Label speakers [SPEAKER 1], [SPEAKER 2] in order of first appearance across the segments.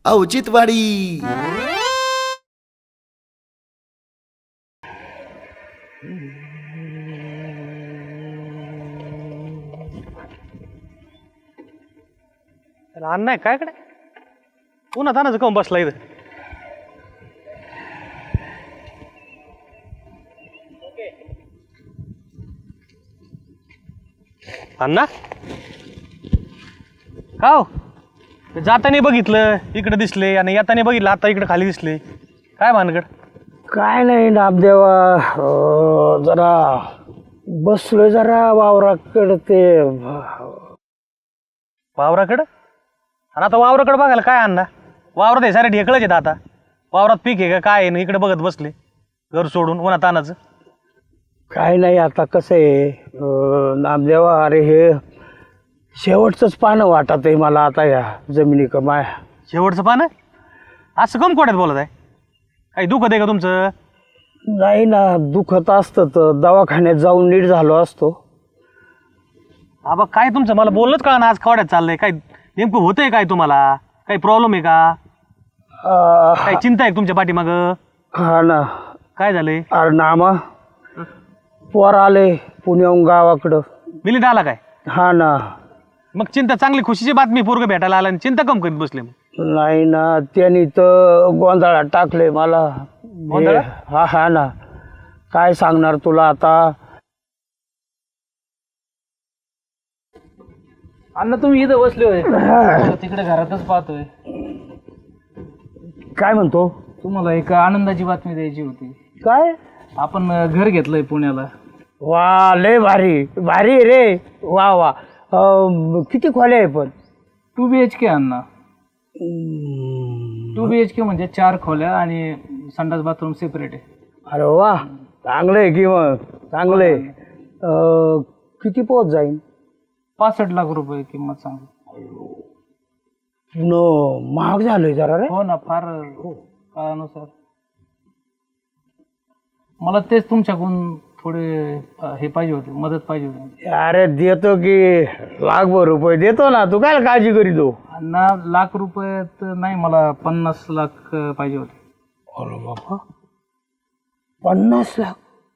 [SPEAKER 1] औचित्यवाडी.
[SPEAKER 2] अण्णा आहे काय कडे पुन्हा तानाचं काऊन बसला इथं. अण्णा का हो जाताना बघितलं इकडे दिसले आणि येताना बघितलं आता इकडे खाली दिसले काय भानगड.
[SPEAKER 3] काय नाही नामदेवा, जरा बसलोय जरा वावराकडे ते
[SPEAKER 2] वावराकडं. आणि आता वावराकडं बघायला काय अण्णा वावरात हे सारे ढेकळच आहेत आता. वावरात पीक आहे का काय आहे ना इकडे बघत बसले घर सोडून उन्हा तानाचं.
[SPEAKER 3] काय नाही आता कसं आहे नामदेवा, अरे हे शेवटचंच पानं वाटत आहे मला आता या जमिनी कमाय.
[SPEAKER 2] शेवटचं पानं असं कम कोड्यात बोलत आहे. काही दुखत आहे का तुमचं.
[SPEAKER 3] नाही ना, दुखत असतं तर दवाखान्यात जाऊन नीट झालो असतो.
[SPEAKER 2] आबा काय तुमचं मला बोललंच कळा ना आज खवड्यात चाललंय. काय नेमकं होतंय काय तुम्हाला काही प्रॉब्लेम आहे का काही चिंता आहे तुमच्या पाठीमाग.
[SPEAKER 3] हा ना.
[SPEAKER 2] काय झालंय.
[SPEAKER 3] अरे नामा पोर आले पुण्याहून गावाकडं.
[SPEAKER 2] मिलिंद आला काय.
[SPEAKER 3] हा ना.
[SPEAKER 2] मग चिंता चांगली खुशीची बातमी पोरग भेटायला आला आणि चिंता कम करीत बसले.
[SPEAKER 3] नाही ना, त्यांनी तर गोंधळात टाकले मला.
[SPEAKER 2] गोंधळात?
[SPEAKER 3] हा हा ना, काय सांगणार तुला आता.
[SPEAKER 4] अण्णा तुम्ही इथं बसले होय. तिकडे घरातच पाहतोय.
[SPEAKER 3] काय म्हणतो.
[SPEAKER 4] तुम्हाला एक आनंदाची बातमी द्यायची होती.
[SPEAKER 3] काय.
[SPEAKER 4] आपण घर घेतलंय पुण्याला.
[SPEAKER 3] वा लय भारी भारी रे. वा वा. किती खोल्या आहे पण.
[SPEAKER 4] 2 BHK अण्णा. 2 BHK म्हणजे 4 खोल्या आणि संडास बाथरूम सेपरेट आहे.
[SPEAKER 3] अरे वा चांगलं आहे की मग. चांगलं आहे. किती पोहोच जाईल.
[SPEAKER 4] 65 लाख रुपये किंमत सांग.
[SPEAKER 3] महाग झालंय जरा रे.
[SPEAKER 4] हो ना, फार काळानुसार. मला तेच तुमच्याकडून थोडे हे पाहिजे होते, मदत पाहिजे होती.
[SPEAKER 3] अरे देतो की लाखभर रुपये देतो ना, तू काय काळजी करीतो.
[SPEAKER 4] अण्णा लाख रुपये तर नाही, मला 50 लाख पाहिजे होते.
[SPEAKER 3] अरे बाबा 50 लाख.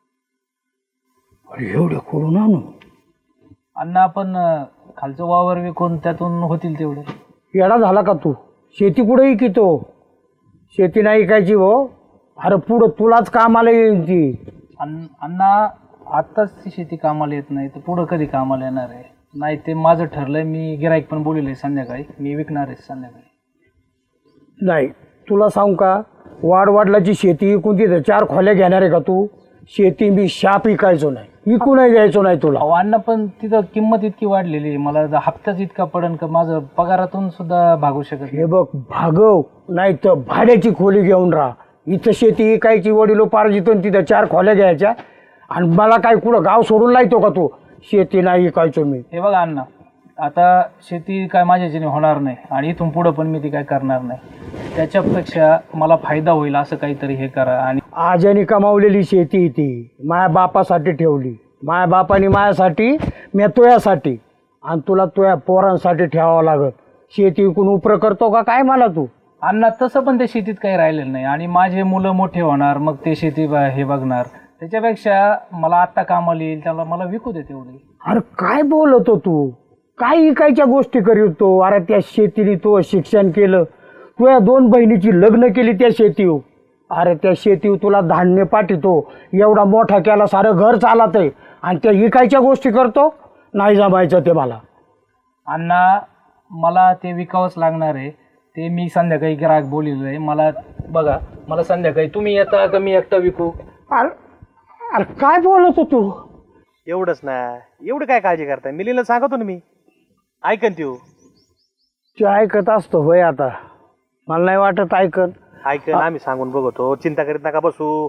[SPEAKER 3] अरे एवढे करून आणू.
[SPEAKER 4] अण्णा आपण खालचं वावर विकून त्यातून होतील तेवढे.
[SPEAKER 3] येडा झाला का तू. शेती कुठे विकितो. शेती नाही विकायची हो. अरे पुढं तुलाच कामाला येईल ती.
[SPEAKER 4] अण्णा आत्ताच ती शेती कामाला येत नाही तर पुढं कधी कामाला येणार आहे. नाही ते माझं ठरलंय. मी गिराईक पण बोलले संध्याकाळी मी विकणार आहे संध्याकाळी. नाही
[SPEAKER 3] तुला सांगू का, वाडवडिलाची शेती विकून तिथं 4 खोल्या घेणार आहे का तू. शेती मी शाप विकायचो नाही, विकूनही द्यायचो नाही तुला.
[SPEAKER 4] अण्णा पण तिथं किंमत इतकी वाढलेली आहे, मला हप्ताच इतका पडन का माझं पगारातून सुद्धा भागू शकत नाही.
[SPEAKER 3] हे बघ भागव, नाही तर भाड्याची खोली घेऊन राहा. इथं शेती विकायची वडिलो पारजितून तिथं 4 खोल्या घ्यायच्या आणि मला काय कुठं गाव सोडून लायतो का तू. शेती नाही विकायचो मी.
[SPEAKER 4] हे बघा अण्णा, आता शेती काय माझ्याच्याने होणार नाही आणि इथून पुढं पण मी ती काय करणार नाही. त्याच्यापेक्षा मला फायदा होईल असं काहीतरी हे करा. आणि
[SPEAKER 3] आज्याने कमावलेली शेती ती माया बापासाठी ठेवली. माया बापाने माझ्यासाठी, मी तुझ्यासाठी आणि तुला तुझ्या पोरांसाठी ठेवावं लागत. शेती विकून उपरं करतो का काय मला तू.
[SPEAKER 4] अण्णा तसं पण त्या शेतीत काही राहिलेलं नाही आणि माझे मुलं मोठे होणार मग ते शेती हे बघणार. त्याच्यापेक्षा मला आत्ता कामाला येईल त्याला मला विकू दे तेवढी.
[SPEAKER 3] अरे काय बोलतो तू. काय इकायच्या गोष्टी करीतो. अरे त्या शेतीने तू शिक्षण केलं, तुझ्या 2 बहिणीची लग्न केली त्या शेतीवर. अरे त्या शेतीवर तुला धान्य पाठवतो, एवढा मोठा केला, सारं घर चालत आहे आणि त्या इकायच्या गोष्टी करतो. नाही जमायचं ते मला.
[SPEAKER 4] अण्णा मला ते विकावंच लागणार आहे. ते मी संध्याकाळी ग्राहक बोललेलं आहे. मला बघा, मला संध्याकाळी तुम्ही येता का मी एकटा विकू.
[SPEAKER 3] अरे अरे काय बोलतो तू.
[SPEAKER 2] एवढंच ना, एवढं काय काळजी करताय. मिलिंदला सांगतो ना मी, ऐकन त्यो.
[SPEAKER 3] ते ऐकत असतो होय. आता मला नाही वाटत ऐकन.
[SPEAKER 2] ऐकन, आम्ही सांगून बघतो. चिंता करीत नका बसू.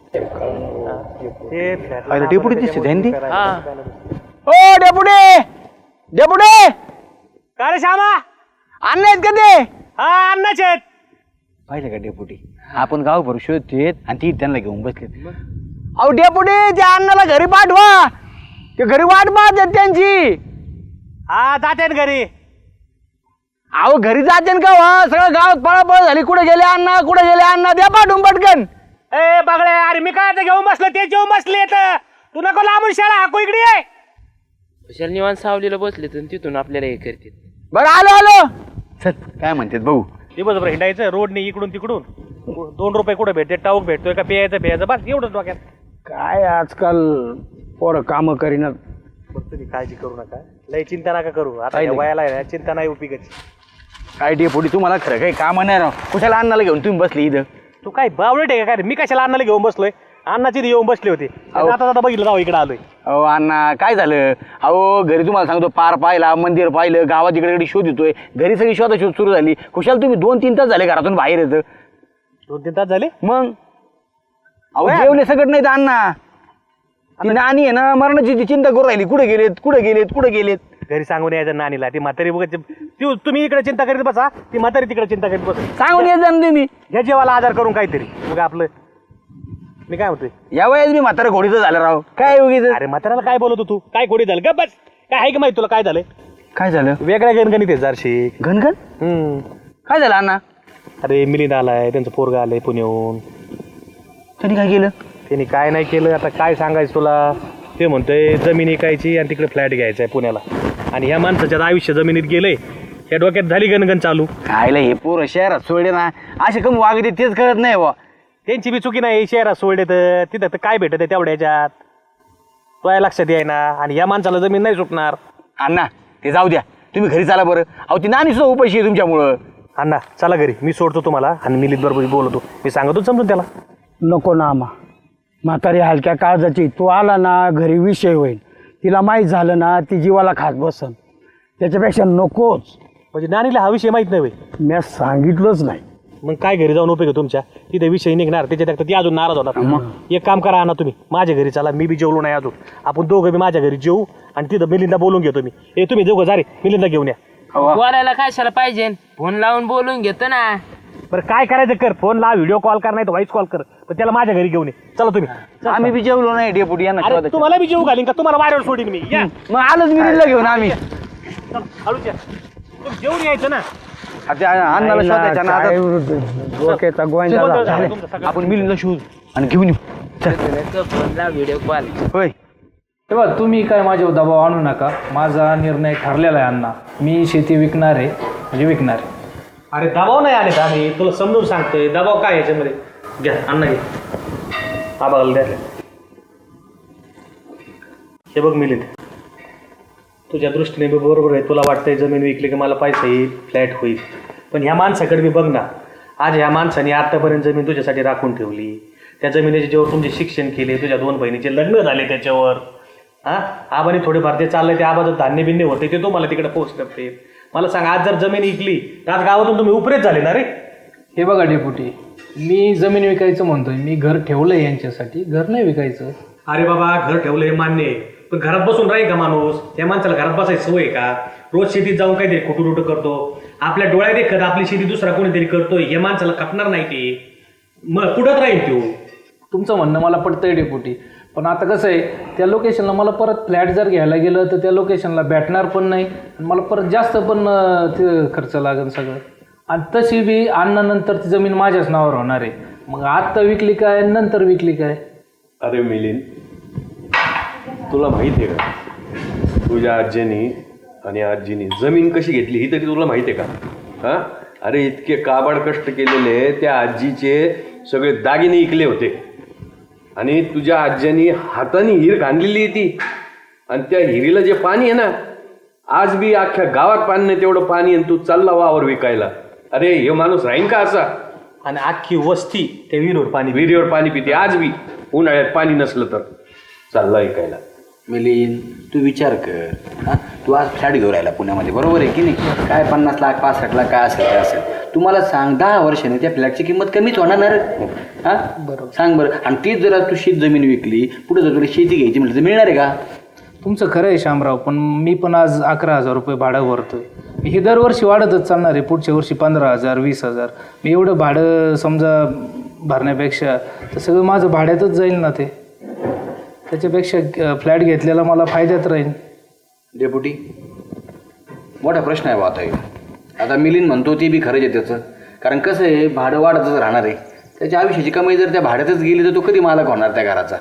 [SPEAKER 1] डेपुटी दिसते ध्यान दे.
[SPEAKER 3] ओ डेपुटी, डेपुटी
[SPEAKER 2] का रे श्यामा.
[SPEAKER 3] अन्न आहेत का ते.
[SPEAKER 2] हा अन्नाचे आहेत.
[SPEAKER 1] पाहिलं का डेपुटी, आपण गावभर शोधतेत आणि ती त्यांना घेऊन बसले.
[SPEAKER 3] अहो डेपुटी, त्या अण्णाला घरी पाठवा. ते घरी वाट पाहत त्यांची.
[SPEAKER 2] हा जाते घरी.
[SPEAKER 1] अहो घरी जाते का वा सगळं गावात पळापळ झाली. कुठे गेले अण्णा, कुठे गेले अण्णा, द्या पाठवून पटकन.
[SPEAKER 2] ए बागळे, अरे मी काय आता घेऊन बसलो, ते घेऊन बसले. तू नको लांबून शाळा हाकू इकडे ये.
[SPEAKER 5] कुशाल निवांत सावलीला बसले तर तिथून आपल्याला हे करते.
[SPEAKER 1] बरं आलो आलो. चल काय म्हणतात भाऊ.
[SPEAKER 2] दिवसभर हिंडायचं रोडने इकडून तिकडून. 2 रुपये कुठे भेटते, टाऊक भेटतोय का, प्यायचं बस एवढंच डोक्यात.
[SPEAKER 3] काय आजकाल पोरं कामं करीनात.
[SPEAKER 2] बरं तुम्ही काळजी करू नका, लय चिंता नका करू. आता या वयाला आहे ना, चिंता नाही उपयोगाची.
[SPEAKER 1] काय डेपुटी तुम्हाला खरं काही काम नाही राव. कुशाला अण्णाला घेऊन तुम्ही बसली इथं.
[SPEAKER 2] तू काय बावळट आहे का काय रे? मी कशाला अण्णाला घेऊन बसलोय? अण्णाची इथे येऊन बसले होते. आता आता बघितलं जाऊ इकडे आलोय.
[SPEAKER 1] अहो अण्णा काय झालं. अहो घरी तुम्हाला सांगतो पार पाहिला, मंदिर पाहिलं, गावात इकडे इकडे शोध येतोय. घरी सगळी शोध सुरू झाली. कुशाल तुम्ही 2-3 तास झाले घरातून बाहेर येतं.
[SPEAKER 2] 2-3 तास झाले.
[SPEAKER 1] मग अहो जेवले सगळं नाही तर अण्णा. ती नानी आहे ना मरणाची चिंता करू राहिली. कुठे गेलेत.
[SPEAKER 2] घरी सांगून यायचं नानीला. ती म्हातारी बघत तुम्ही इकडे चिंता करीत बसा, ती म्हातारी तिकडे चिंता करीत बसा.
[SPEAKER 1] सांगून येत जा ना तुम्ही.
[SPEAKER 2] घ्या जेवायला आजार करून काहीतरी. मग आपलं मी काय म्हणतोय,
[SPEAKER 1] या वयात मी म्हातारा घोडीचं झालं राव. काय उगीच.
[SPEAKER 2] अरे म्हाताऱ्याला काय बोलतो तू? काय खोडी झालं का? बस काय आहे का माहिती तुला काय झालंय?
[SPEAKER 1] काय झालं.
[SPEAKER 2] वेगळ्या गणगणित आहे जारशी.
[SPEAKER 1] घनघन काय झालं अण्णा.
[SPEAKER 2] अरे मिलिंद आलाय, त्यांचं पोरगा आलंय पुण्याहून.
[SPEAKER 1] त्यांनी काय केलं.
[SPEAKER 2] त्यांनी काय नाही केलं. आता काय सांगायचं तुला. ते म्हणतोय जमीन विकायची आणि तिकडे फ्लॅट घ्यायचा आहे पुण्याला. आणि ह्या माणसाच्या आयुष्य जमिनीत गेलंय. या डोक्यात झाली गणगण चालू.
[SPEAKER 1] खायला हे पोरं शहरात सोडले ना असे कमी वागते तेच कळत नाही बा.
[SPEAKER 2] त्यांची बी चुकी नाही. शहरात सोडले तर तिथं तर काय भेटत आहे तेवढ्या ह्याच्यात, तो लक्षात येईना. आणि या माणसाला जमीन नाही सुटणार.
[SPEAKER 1] अण्णा ते जाऊ द्या, तुम्ही घरी चाला बरं. अहो ती नानी सुद्धा उपाशी आहे तुमच्यामुळं.
[SPEAKER 2] अण्णा चला घरी, मी सोडतो तुम्हाला आणि मिलित बरोबर बोलतो. मी सांगतो समजून त्याला.
[SPEAKER 3] नको ना आम्हा, म्हातारी हलक्या काळजाची. तू आला ना घरी विषय होईल. तिला माहीत झालं ना ती जीवाला खात बसन. त्याच्यापेक्षा नकोच.
[SPEAKER 2] म्हणजे नानीला हा विषय माहित नाही होय.
[SPEAKER 3] मी सांगितलंच नाही.
[SPEAKER 2] मग काय घरी जाऊन उपयोग आहे तुमच्या? तिथे विषय निघणार, त्याच्यात ती अजून नाराज होणार. एक काम करा ना तुम्ही, माझ्या घरी चला. मी बी जेवलो नाही अजून. आपण दोघं बी माझ्या घरी जेवू आणि तिथं मिलिंदा बोलून घेतो मी. ए तुम्ही दोघं जा रे, मिलिंदा घेऊन या.
[SPEAKER 5] बोलायला कशाला पाहिजे? फोन लावून बोलून घेतो ना.
[SPEAKER 2] बरं काय करायचं कर. फोन ला, व्हिडिओ कॉल कर, नाही तर व्हॉइस कॉल कर. पण त्याला माझ्या घरी घेऊन ये. चला तुम्ही.
[SPEAKER 1] आम्ही बी जेवलो नाही डेपुटी यांना
[SPEAKER 2] अरे
[SPEAKER 1] शोधायचं.
[SPEAKER 2] तुम्हाला बी जेवू घालीन का? तुम्हाला वाऱ्यावर सोडीन मी. या
[SPEAKER 1] मग आलोच मिरीला घेऊन आम्ही.
[SPEAKER 2] चला, हळूच या. तुम्ही जेवून यायचं ना.
[SPEAKER 1] आता अण्णाला शोधायचं ना.
[SPEAKER 3] काय
[SPEAKER 1] आता
[SPEAKER 3] डोक्याचा गोंधळ
[SPEAKER 2] झालं.
[SPEAKER 3] झाला.
[SPEAKER 2] तुमचं सगळं.
[SPEAKER 1] आपण मिरीला शोध आणि घेऊन येऊ.
[SPEAKER 5] फोन लाव, व्हिडिओ कॉल.
[SPEAKER 1] होय
[SPEAKER 4] तेव्हा तुम्ही काय माझ्यावर दबाव आणू नका. माझा निर्णय ठरलेला आहे अण्णा. मी शेती विकणार आहे, म्हणजे विकणार आहे.
[SPEAKER 2] अरे दबाव नाही आले आम्ही, तुला समजून सांगतोय. दबाव काय याच्यामध्ये? घ्या अण्णा घे. आबाला द्या. हे बघ मिलिंद, तुझ्या दृष्टीने बी बरोबर आहे. तुला वाटतंय जमीन विकली की मला पैसा येईल, फ्लॅट होईल. पण ह्या माणसाकडे बी बघ ना. आज ह्या माणसाने आतापर्यंत जमीन तुझ्यासाठी राखून ठेवली. त्या जमिनीचे जेव्हा तुमचे शिक्षण केले, तुझ्या 2 बहिणीचे लग्न झाले त्याच्यावर. आबाने थोडेफार ते चाललंय, ते आबाचं धान्य बिन्य होते ते तुम्हाला तिकडे पोच करते. मला सांग, आज जर जमीन विकली तर आज गावातून तुम्ही उपरेच झाले ना रे.
[SPEAKER 4] हे बघा डेपुटी, मी जमीन विकायचं म्हणतोय. मी घर ठेवलंय यांच्यासाठी, घर नाही विकायचं.
[SPEAKER 2] अरे बाबा घर ठेवलंय मान्य आहे, पण घरात बसून राहील का माणूस? त्या माणसाला घरात बसायची सवय का? रोज शेतीत जाऊन काहीतरी कुटुरुट करतो. आपल्या डोळ्यात देखत आपली शेती दुसरा कोणीतरी करतोय. हे माणसाला खपणार नाही ते. मग कुठंच राहील तो.
[SPEAKER 4] तुमचं म्हणणं मला पटतंय डेपुटी, पण आता कसं आहे, त्या लोकेशनला मला परत फ्लॅट जर घ्यायला गेलं तर त्या लोकेशनला भेटणार पण नाही आणि मला परत जास्त पण ते खर्च लागेल सगळं. आणि तशी बी आणल्यानंतर ती जमीन माझ्याच नावावर होणार आहे. मग आत्ता विकली काय, नंतर विकली काय?
[SPEAKER 6] अरे मिलिंद, तुला माहिती आहे का तुझ्या आजीनी आणि आजीनी जमीन कशी घेतली ही तरी तुला माहिती आहे का? हां, अरे इतके काबाड कष्ट केलेले त्या आजीचे सगळे दागिने इकले होते आणि तुझ्या आज्यानी हाताने हिर खांदलेली ती. आणि त्या हिरीला जे पाणी आहे ना, आज बी अख्ख्या गावात पाणी नाही तेवढं पाणी, आणि तू चालला वावर विकायला. अरे हे माणूस राहीन का असा?
[SPEAKER 2] आणि अख्खी वस्ती त्या
[SPEAKER 6] विहिरीवर पाणी पिते आज बी. उन्हाळ्यात पाणी नसलं तर चालला विकायला.
[SPEAKER 1] मिलिंद तू विचार कर. तू आज फ्लॅट घेऊन राहिला पुण्यामध्ये, बरोबर आहे की नाही? काय 50 लाख 65 लाख काय असेल काय असेल. तुम्हाला सांग 10 वर्षाने त्या फ्लॅटची किंमत कमीच होणार ना रे. बरोबर सांग बरं. आणि तीच जर आज तू शेत जमीन विकली, पुढे जर तुला शेती घ्यायची म्हटलं तर मिळणार आहे का?
[SPEAKER 4] तुमचं खरं आहे शामराव, पण मी पण आज 11,000 रुपये भाडं भरतोय. हे दरवर्षी वाढतच चालणार आहे. पुढच्या वर्षी 15,000 20,000. मी एवढं भाडं समजा भरण्यापेक्षा तर सगळं माझं भाड्यातच जाईल ना ते. त्याच्यापेक्षा फ्लॅट घेतलेला मला फायद्यात राहील.
[SPEAKER 1] डेपुटी मोठा प्रश्न आहे बा आता. आता मिलिंद म्हणतो ते बी खरंच आहे त्याचं, कारण कसं आहे भाडं वाढतच राहणार आहे. त्याच्या आयुष्याची कमाई जर त्या भाड्यातच गेली तर तो कधी मालक होणार त्या घराचा.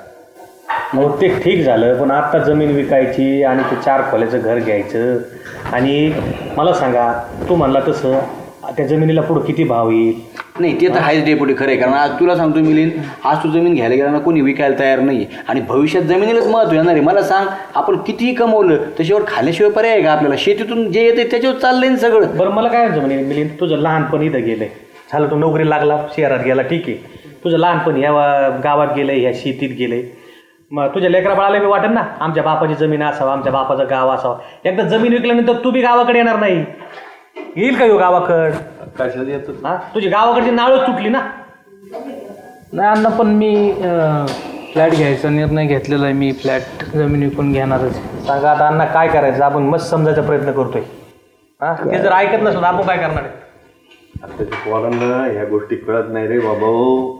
[SPEAKER 2] मग ते ठीक झालं, पण आत्ता जमीन विकायची आणि ते 4 खोल्याचं घर घ्यायचं. आणि मला सांगा, तू म्हणला तसं त्या जमिनीला पुढं किती भाव येईल?
[SPEAKER 1] नाही ते तर आहेच डेपुटी, खरं आहे. कारण आज तुला सांगतो मिलिंद, आज तू जमीन घ्यायला गेला ना कोणी विकायला तयार नाही, आणि भविष्यात जमिनीलाच महत्व येणार आहे. मला सांग, आपण कितीही कमवलं त्याच्यावर खाल्याशिवाय पर्याय आहे का आपल्याला? शेतीतून जे येते त्याच्यावर चाललंय ना सगळं.
[SPEAKER 2] बरं मला काय जमिनी मिलिंद, तुझं लहानपण इथं गेलंय, झालं तू नोकरी लागला शहरात गेला, ठीक आहे. तुझं लहानपण ह्या गावात गेलंय, ह्या शेतीत गेलंय. मग तुझ्या लेकरा बाळाला बी वाटेल ना आमच्या बापाची जमीन असावं, आमच्या बापाचं गाव असावं. एकदा जमीन विकल्यानंतर तू बी गावाकडे येणार नाही. येईल का येऊ गावाकड?
[SPEAKER 6] कशाला येतो?
[SPEAKER 2] हा, तुझी गावाकडची नाळच तुटली ना.
[SPEAKER 4] नाही अण्णा, पण मी फ्लॅट घ्यायचा निर्णय घेतलेला आहे. मी फ्लॅट जमीन विकून घेणारच.
[SPEAKER 2] सांगा आता अण्णा काय करायचं? आपण मस्त समजायचा प्रयत्न करतोय. हा, ते जर ऐकत नसलं आपण काय करणार आहे?
[SPEAKER 6] आताच्या पोरांना ह्या गोष्टी कळत नाही रे बाबा.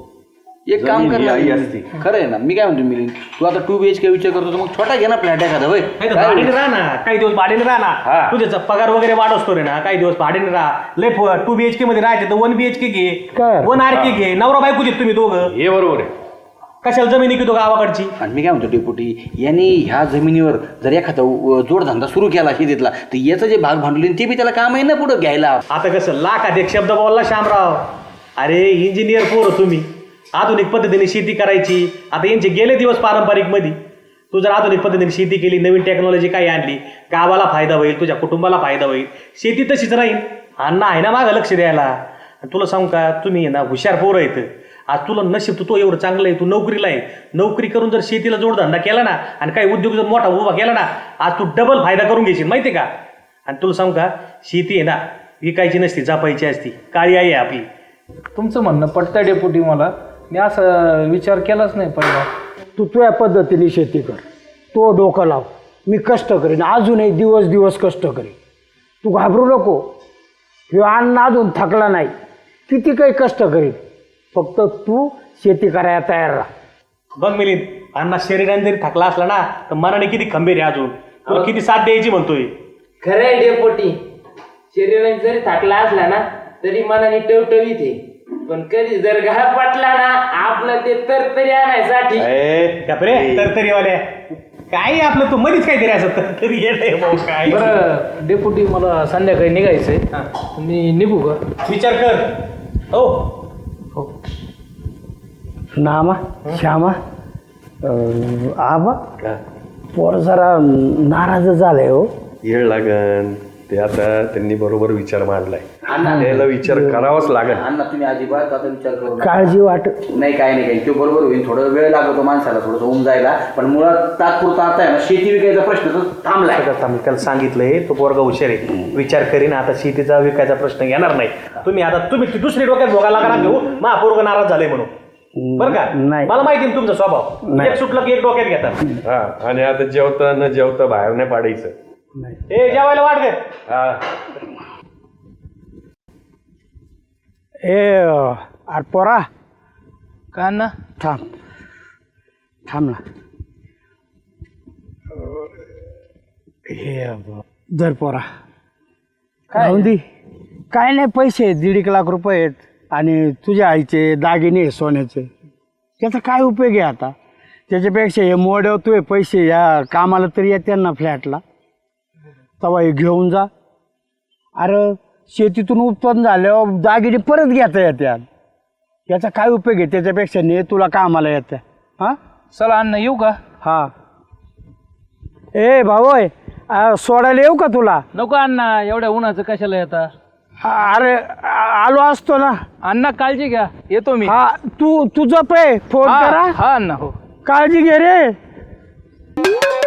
[SPEAKER 1] एक काम कर ना,
[SPEAKER 6] आई असती.
[SPEAKER 1] खरं आहे ना. मी काय म्हणतो मिलिंद, तू आता 2 BHK विचार करतो तर मग छोटा घे ना फ्लॅट एखादा. होय
[SPEAKER 2] नाही तर भाड्याने राहा ना, काही दिवस भाड्याने राहा ना. तुझ्याचा पगार वगैरे वाढवतो रे ना, काही दिवस भाड्याने राहा. लय 2 BHK मध्ये राहायचे तर 1 BHK घे,
[SPEAKER 3] काय?
[SPEAKER 2] 1 RK घे. नवरा बायको जे तुम्ही दोघं,
[SPEAKER 6] हे बरोबर आहे.
[SPEAKER 2] कशाला जमिनी घेतो गावाकडची?
[SPEAKER 1] आणि मी काय म्हणतो डेपुटी, यांनी ह्या जमिनीवर जर एखादा जोडधंदा सुरू केला शेतीतला तर याचं जे भाग भांडवल ते बी त्याला काम आहे ना पुढं घ्यायला.
[SPEAKER 2] आता कसं लाखात एक शब्द बोलला शामराव. अरे इंजिनियर पोरं तुम्ही, आधुनिक पद्धतीने शेती करायची. आता यांचे गेले दिवस पारंपरिक मध्ये. तू जर आधुनिक पद्धतीने शेती केली, नवीन टेक्नॉलॉजी काही आणली, गावाला फायदा होईल, तुझ्या कुटुंबाला फायदा होईल. शेती तशीच राहील. अण्णा आहे ना मागं लक्ष द्यायला. आणि तुला सांगू का, तुम्ही ना हुशार पोरं येतं. आज तुला नशीब, तू एवढं चांगलं आहे, तू नोकरीला आहे. नोकरी करून जर शेतीला जोडधंदा केला ना आणि काही उद्योग जर मोठा उभा केला ना, आज तू डबल फायदा करून घेशील माहिती आहे का. आणि तुला सांगू का, शेती आहे ना विकायची नसती, जपायची असती. काळी आई आहे आपली.
[SPEAKER 4] तुमचं म्हणणं पटतं डेपुटी मला. मी असं विचार केलाच नाही पहिला.
[SPEAKER 3] तू तुझ्या पद्धतीने शेती कर, तो डोकं लाव. मी कष्ट करीन, अजूनही दिवस दिवस कष्ट करीन. तू घाबरू नको. ह्यो अण्णा अजून थकला नाही, किती काही कष्ट करीन. फक्त तू शेती करायला तयार राहा.
[SPEAKER 2] बघ मिलिंद, अण्णा शरीराने जरी थकला असला ना तर मनाने किती खंबीर आहे. अजून तुला किती साथ द्यायची म्हणतोय.
[SPEAKER 5] खरं आहे डेपोटी, शरीराने जरी थाकला असला ना तरी मनाने टवटवीत आहे. पण कधी जर घात पाटला ना आपलं ते तरतरी आणायसाठी.
[SPEAKER 2] तरतरीवाल्या काय आपलं, तू मध्येच काहीतरी असं तरतरी येत काय.
[SPEAKER 4] बरं डेपुटी, मला संध्याकाळी निघायचंय. मी निघू का?
[SPEAKER 2] विचार कर. हो
[SPEAKER 4] हो.
[SPEAKER 3] नामा श्यामा, आबा पोर जरा नाराज झालंय हो.
[SPEAKER 6] येळ लागन ते. आता त्यांनी बरोबर विचार मांडलाय, त्याला विचार करावाच लागेल.
[SPEAKER 1] अण्णा तुम्ही अजिबात आता विचार करू नका.
[SPEAKER 3] काळजी वाट
[SPEAKER 1] नाही काय नाही, काही तो बरोबर होईल. थोडं वेळ लागतो माणसाला थोडंसं होऊन जायला, पण मुळात तात्पुरता आता आहे ना शेती विकायचा प्रश्न तर थांबलाय.
[SPEAKER 2] मी त्याला सांगितलंय, तो पोरगा हुशार आहे, विचार करीन. आता शेतीचा विकायचा प्रश्न येणार नाही. तुम्ही दुसरी डोक्यात भोगायला लागणार घेऊ पोरगा नाराज झाले म्हणून. बरं का,
[SPEAKER 3] नाही.
[SPEAKER 2] मला माहिती आहे तुमचा स्वभाव. एक सुटलं की एक डोक्यात घेतात.
[SPEAKER 6] हा, आणि आता जेवता न जेवता बाहेर नाही पाडायचं.
[SPEAKER 2] ए जेवायला वाट घे.
[SPEAKER 6] हा,
[SPEAKER 3] अरे पोरा
[SPEAKER 4] का ना?
[SPEAKER 3] थांब ना. हे धर पोरा, राहून दे. काय नाही, पैसे आहेत, 1.5 लाख रुपये आहेत. आणि तुझ्या आईचे दागिने सोन्याचे, त्याचा काय उपयोग आहे आता? त्याच्यापेक्षा हे मोड्यावर तू पैसे या कामाला तरी येते ना फ्लॅटला, तेव्हा हे घेऊन जा. अरे शेतीतून उत्पन्न झाल्यावर दागिने परत घेता येतात. याचा काय उपयोग आहे? त्याच्यापेक्षा ने तुला कामाला येतं. हां
[SPEAKER 4] चला अण्णा, येऊ का?
[SPEAKER 3] हां. ए भाऊ, सोडायला येऊ का तुला?
[SPEAKER 4] नको अण्णा, एवढ्या उन्हाचं कशाला येता?
[SPEAKER 3] अरे आलो असतो ना.
[SPEAKER 4] अण्णा काळजी घ्या, येतो मी.
[SPEAKER 3] हा, तू तुझं पे फोन करा.
[SPEAKER 4] हा अण्णा, हो.
[SPEAKER 3] काळजी घे रे.